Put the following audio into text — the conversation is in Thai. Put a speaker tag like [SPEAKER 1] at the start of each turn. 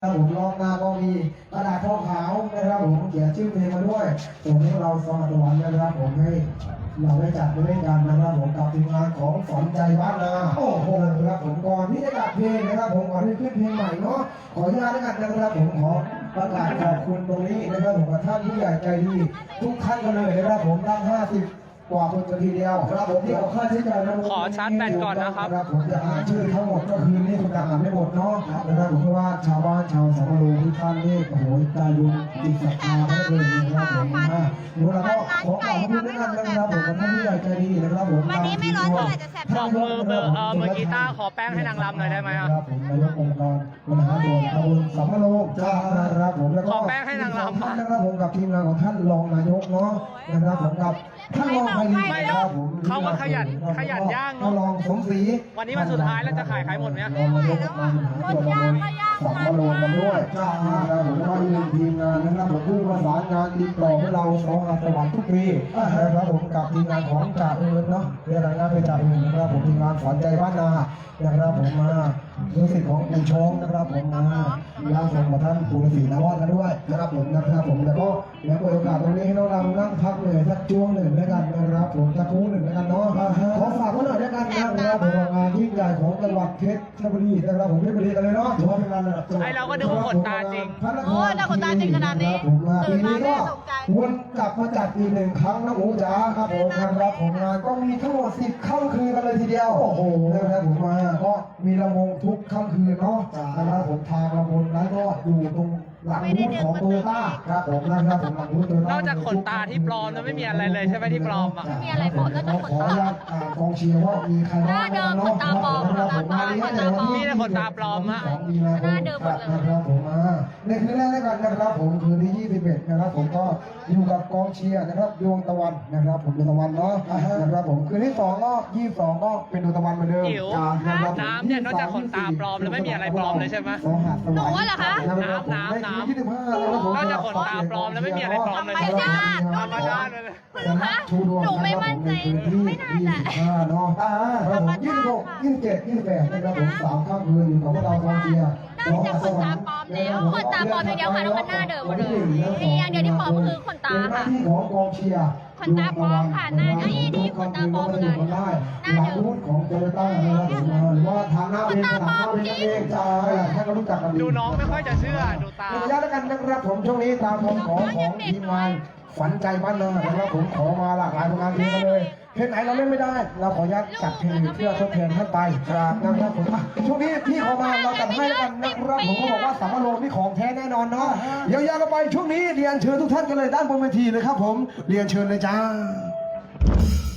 [SPEAKER 1] ครับผมลองมาก็มีกระดาษทองขาวนะครับผมเขียนชื่อเพลงมาด้วยผมให้เราสมัครวันนะครับผมให้เราได้จัดด้วยกันนะครับผมกับทีมงานของสอนใจบ้านนาโอ้โหครับผมก่อนที่จะจัดเพลงนะครับผมก่อนที่ขึ้นเพลงใหม่เนาะขออนุญาตด้วยกันนะครับผมขอประกาศขอบคุณตรงนี้นะครับผมกับท่านผู้ใหญ่ใจดีทุกท่านกันเลยนะครับผมตั้ง50กว่าคนทีเดียวครับผมที่เอาค่าใช้จ่ายนะ
[SPEAKER 2] ขอชาร์จแบตก่อนนะครับ
[SPEAKER 1] ผมจะอ่านชื่อทั้งหมดก็คือนี่คุณจะอ่านไม่หมดเนาะนะครับผมเพราะว่าชาวบ้านชาวสัมภาระทุกท่านนี่โอ้โหใจบุญจิตศรัทธาเขาเลยนะครับผมเดี๋ยวเราก็ขอขอบคุณด้วยกันนะครับผมกับท่านผู้ใหญ่ใจดีนะครับผม
[SPEAKER 3] วันนี้ไม่ร้อนเท่าไหร่จะแสบ
[SPEAKER 2] บอกมือกีตาร์ขอแป้งให้นางรำหน่อยได้ไหมครับ
[SPEAKER 1] ผมนายกองค์การบริหารส่วนตำบลสัมภาระจ้านะครับผมแล้วก็
[SPEAKER 2] ขอแป้งให้นางรำ
[SPEAKER 1] นะครับผมกับทีมงานของท่านรองนายกเนาะนะครับผมกับท่านรองไพรีนะครับผม
[SPEAKER 2] เขามาขยันย่างเนอะ
[SPEAKER 1] ท่านรองสมศรี
[SPEAKER 2] วันนี้วันสุดท้ายแล้วจะขายหมดไหม
[SPEAKER 1] รองนายกองค์การบริหารส่วนตำบลสัมภาระกันด้วยจ้านะครับผมก็มีทีมงานนะครับผมผู้ประสานงานติดต่อให้เราสองอัศวรรษทุกปีนะครับผมกับทีมงานของจ่าเอิญเนาะเรียกอะไรนะเป็นจ่าเอิญนะครับผมทีมงานสอนใจบ้านนานะครับผมมารู้สึกของปู่ชงนะครับผมมาย่างส่งมาท่านปู่ฤาษีนวอดกันด้วยนะครับผมแล้วก็แล้วโอกาสตรงนี้ให้เรานั่งพักเหนื่อยสักช่วงหนึ่งด้วยกันนะครับผมสักครู่หนึ่งด้วยกันเนาะขอฝากไว้หน่อยด้วยกันนะครับผมงานยิ่งใหญ่ของจังหวัดเพชรบุรีนะครับผมเพชรบุรีกันเลยเนาะถือว่าเป็นงานระดับจังหวัด
[SPEAKER 2] ไอเราก็ดูขนตาจริง
[SPEAKER 3] โอ้ยแต่ขนตาจริงขนาดนี้
[SPEAKER 1] ผมมาปี
[SPEAKER 3] ตื่นมา
[SPEAKER 1] นี้
[SPEAKER 3] แม่
[SPEAKER 1] ก็
[SPEAKER 3] ตกใจ
[SPEAKER 1] วนกลับมาจัดอีกหนึ่งครั้งนะโอ้จ๋าครับผมนะครับผมงานก็มีทั้งหมด10ค่ำคืนกันเลยทีเดียวโอ้โหนะครับผมมาก็มีลำวงทุกค่ำคืนเนาะนะครับผมทางลำวงนั้นก็อยู่ตรงหลังบูธของโตโยต้าครับผมนะครับผมหลังบูธโตโยต้าน
[SPEAKER 2] อกจากขนตาที่ปลอมแล้วไม่มีอะไรเลยใช่ไหมที่ปลอมอ่ะ
[SPEAKER 3] ไม่มีอะไรปลอมนอกจากขนตา
[SPEAKER 1] ขออนุญาตกองเชียร์ว่ามีใครบ้าง
[SPEAKER 3] หน้าเดิมขนตาปลอม
[SPEAKER 1] นะครับผมมาเลี้ยงในวันที่
[SPEAKER 2] มีแต่ขนตาปลอมอะ
[SPEAKER 1] 22มีนาคม
[SPEAKER 3] หน้าเดิมหมดเลย
[SPEAKER 1] นะครับผมมาในคืนแรกด้วยกันนะครับผมคืนที่21นะครับผมก็อยู่กับกองเชียร์นะครับดวงตะวันนะครับผมดวงตะวันเนาะนะครับผมคืนที่2ก็22ก็เป็นดวงตะวันเหมือนเดิม
[SPEAKER 2] จิ๋ว
[SPEAKER 1] นะครับผม
[SPEAKER 2] น้ำเนี่ยนอกจากขนตาปลอมแล้วไม่มีอะไรปลอมเลยใช่ไหม
[SPEAKER 1] สองหาดสวรรค์
[SPEAKER 3] หนูว่าเหรอคะ
[SPEAKER 2] น้ำ
[SPEAKER 1] ในคืนที่15นะครับผม
[SPEAKER 2] นอกจากขนตาปลอมแล้วไม่มีอะไรปลอมเลย
[SPEAKER 3] ธรรมชาติ
[SPEAKER 2] ธรรมชาติเลย
[SPEAKER 3] คุณลูกคะหนูไม่มั่นใจไม่น่าจะ
[SPEAKER 1] 25เนาะครับผม26 27 28นะครับผม3ค่ำคืนอยู่กับพวกเรากองเชียร์
[SPEAKER 3] น่าจะขนตาปลอมแล้วขนตาปลอมอย่างเดียวค่ะแล้วมันหน้าเดิมหมดเลยมีอย่างเดียวที่ปลอมก็คือขนตาค่ะ
[SPEAKER 1] เป็นหน้าที่ของกองเชียร์
[SPEAKER 3] ขนตาปลอมค่ะหน้านี่ขนตาปลอมเหมือนกัน
[SPEAKER 1] ได้
[SPEAKER 3] หน้า
[SPEAKER 1] หลั
[SPEAKER 3] เดิ
[SPEAKER 1] ง
[SPEAKER 3] ม
[SPEAKER 1] บูธของโตโยต้านะครับผมหรือว่าทางหน้าเองสนามหน้าเองนั่นเองใช่ให้เรารู้จักกันดี
[SPEAKER 2] ดูน้องไม่ค่อยจะเชื่อดูตา
[SPEAKER 1] ขออนุญาตแล้วกันนะครับผมช่วงนี้ตามคำขอของทีมงานฝันใจบ้านนานะครับผมขอมาหลากหลายผลงานเพลงกันเลยเพลงไหนเราเล่นไม่ได้ เราขออนุญาตจัดเพลงเพื่อทดแทนท่านไปครับนะครับผมช่วงนี้พี่ขอมาเราจัดให้แล้วกันนะครับผมก็บอกว่าสามารถโลนี่ของแท้แน่นอนเนาะยาวๆกันไปช่วงนี้เรียนเชิญทุกท่านกันเลยด้านบนเวทีเลยครับผมเรียนเชิญเลยจ้า